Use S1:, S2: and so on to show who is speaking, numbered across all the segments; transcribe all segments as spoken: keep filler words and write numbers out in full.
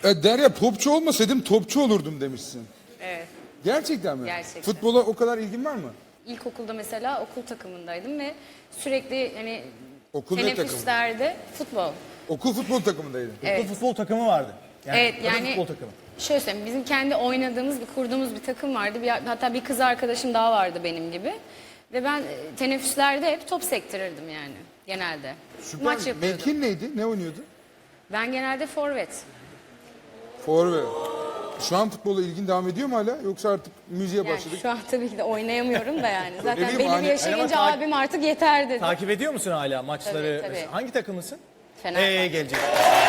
S1: E, Derya topçu olmasaydım topçu olurdum demişsin.
S2: Evet.
S1: Gerçekten mi?
S2: Gerçekten.
S1: Futbola o kadar ilgin var mı?
S2: İlkokulda mesela okul takımındaydım ve sürekli hani
S1: Okul ne takımı?
S2: teneffüslerde futbol.
S1: Okul futbol takımındaydın.
S2: Evet.
S3: Okul futbol takımı vardı. Yani,
S2: Evet,
S3: kadın
S2: yani-
S3: futbol takımı.
S2: Şöyle söyleyeyim, bizim kendi oynadığımız, bir kurduğumuz bir takım vardı. Bir, hatta bir kız arkadaşım daha vardı benim gibi. Ve ben e, teneffüslerde hep top sektirirdim yani genelde.
S1: Süper.
S2: Maç yapıyordum.
S1: Mevkin neydi? Ne oynuyordu?
S2: Ben genelde forvet.
S1: Forvet. Şu an futbola ilgin devam ediyor mu hala? Yoksa artık müziğe
S2: Yani
S1: başladık?
S2: şu an tabii ki de oynayamıyorum da yani. Zaten
S1: bileyim,
S2: belli
S1: hani-
S2: bir yaşa
S3: Ama
S2: gelince
S3: ta-
S2: abim artık yeter dedi.
S3: Takip ediyor musun hala maçları?
S2: Tabii, tabii.
S3: Hangi takımlısın?
S2: Fenerbahçe.
S3: Ee gelecek.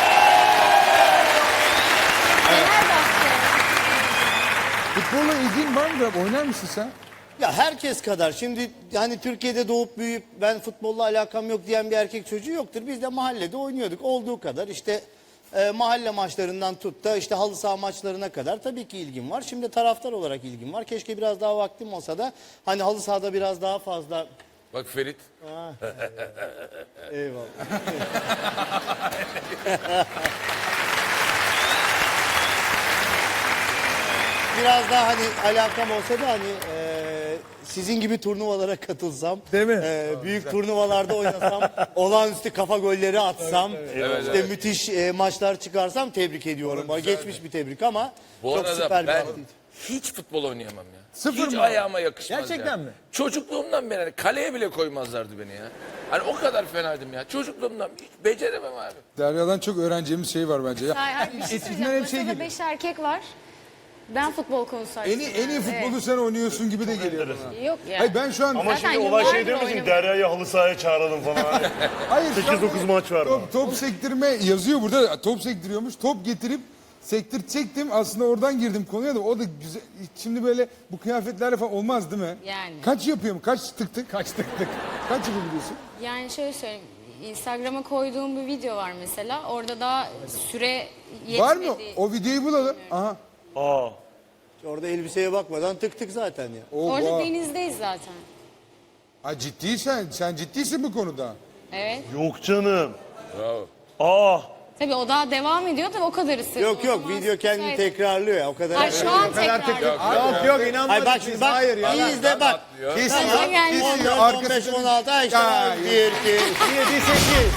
S2: Fenerbahçe.
S1: Futbolla ilgin var mı? Oynar mısın sen?
S4: Ya herkes kadar. Şimdi hani Türkiye'de doğup büyüyüp ben futbolla alakam yok diyen bir erkek çocuğu yoktur. Biz de mahallede oynuyorduk. Olduğu kadar işte e, mahalle maçlarından tut da işte halı saha maçlarına kadar tabii ki ilgim var. Şimdi taraftar olarak ilgim var. Keşke biraz daha vaktim olsa da hani halı sahada biraz daha fazla...
S5: Bak Ferit.
S4: Eyvallah. Biraz daha hani alakam olsa da hani e, sizin gibi turnuvalara katılsam,
S3: Değil mi?
S4: e, büyük turnuvalarda oynasam, olağanüstü kafa golleri atsam,
S5: Evet,
S4: işte
S5: evet.
S4: müthiş e, maçlar çıkarsam tebrik ediyorum. Geçmiş bir tebrik ama
S5: Bu
S4: çok
S5: arada
S4: süper bir
S5: ben
S4: aktivite.
S5: hiç futbol oynayamam ya.
S1: Sıfır
S5: hiç
S1: mı?
S5: ayağıma yakışmaz
S3: Gerçekten
S5: ya.
S3: mi?
S5: Çocukluğumdan beri hani kaleye bile koymazlardı beni ya. Hani o kadar fenaydım ya. Çocukluğumdan hiç beceremem abi.
S1: Derya'dan çok öğreneceğimiz şey var bence. Ya.
S2: Hayır, bir şey
S3: Eskiden
S2: söyleyeceğim.
S3: hep şey
S2: Masada
S3: gibi.
S2: beş erkek var. Ben futbol konusu
S1: En iyi, en iyi futbolu sen oynuyorsun gibi de geliyor bana.
S2: Evet. Yok ya.
S1: Hayır ben şu an...
S6: Ama
S2: Zaten
S6: şimdi olay şey
S2: yıllardır
S6: değil mi? Şimdi
S2: oynamıyorum.
S6: Derya'yı halı sahaya çağıralım falan.
S1: Hayır, şu an
S6: sekiz dokuz maç var
S1: top,
S6: mı?
S1: top sektirme yazıyor burada. Top sektiriyormuş. Top getirip sektirtecektim. Aslında oradan girdim konuya da o da güzel. Şimdi böyle bu kıyafetlerle falan olmaz değil mi?
S2: Yani.
S1: Kaç yapıyor mu? Kaç tık tık?
S3: Kaç tık tık.
S1: Kaç yapabiliyorsun?
S2: Yani şöyle söyleyeyim. Instagram'a koyduğum bir video var mesela. Orada daha süre yetmedi.
S1: Var mı? O videoyu bulalım. Aha.
S6: Aa.
S4: Orada elbiseye bakmadan tık tık zaten ya.
S1: O,
S2: Orada
S1: o.
S2: denizdeyiz zaten.
S1: Ha, ciddiysen, sen ciddisin bu konuda.
S2: Evet.
S6: Yok canım.
S5: Bravo.
S6: Aa.
S2: Tabii o daha devam ediyor tabii o kadar ısırdı.
S4: Yok
S2: O
S4: yok
S2: zaman
S4: video kendini
S2: müsait.
S4: tekrarlıyor ya o kadar.
S2: Ay şu an tekrar.
S3: Yok yok inanmadım.
S4: Ay bak şimdi bak.
S3: Hayır ya.
S4: iyi izle bak.
S1: Kesin.
S2: Gaza gelmiş.
S4: on
S1: Kesin.
S4: dört, on beş, on altı ay işte
S1: Ya,
S4: bir, iki,
S3: yedi sekiz.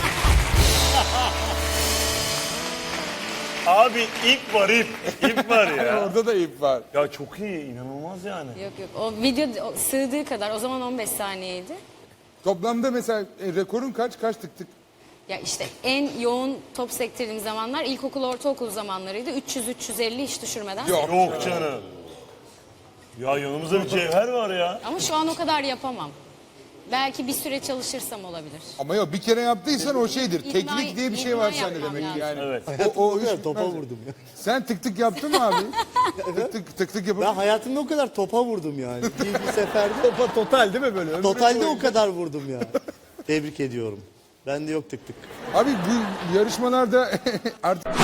S6: Abi ip var ip. İp var ya.
S1: Orada da ip var.
S6: Ya çok iyi. İnanılmaz yani.
S2: Yok yok o video o sığdığı kadar o zaman on beş saniyeydi.
S1: Toplamda mesela e, rekorun kaç? Kaç tık tık?
S2: Ya işte en yoğun top sektirdiğim zamanlar ilkokul ortaokul zamanlarıydı. üç yüz üç yüz elli hiç düşürmeden.
S1: Yok.
S6: Yok canım. Ya yanımızda bir cevher var ya.
S2: Ama şu an o kadar yapamam. Belki bir süre çalışırsam olabilir.
S1: Ama yok bir kere yaptıysan o şeydir.
S2: İkna-
S1: Teknik diye bir şey
S2: ikna
S1: var sende
S2: yapmam
S1: demek ki
S2: lazım.
S1: yani.
S6: Evet.
S1: O, o iş
S4: o topa
S1: bitmez.
S4: vurdum ya.
S1: Sen tık tık yaptın mı abi? tık tık tık tık
S4: Ben
S1: yapalım.
S4: hayatımda o kadar topa vurdum yani. Bir, bir seferde.
S3: Topa total değil mi böyle? Ömrü
S4: Totalde
S3: boyunca.
S4: o kadar vurdum ya. Tebrik ediyorum. Bende yok tık tık.
S1: Abi bu yarışmalarda artık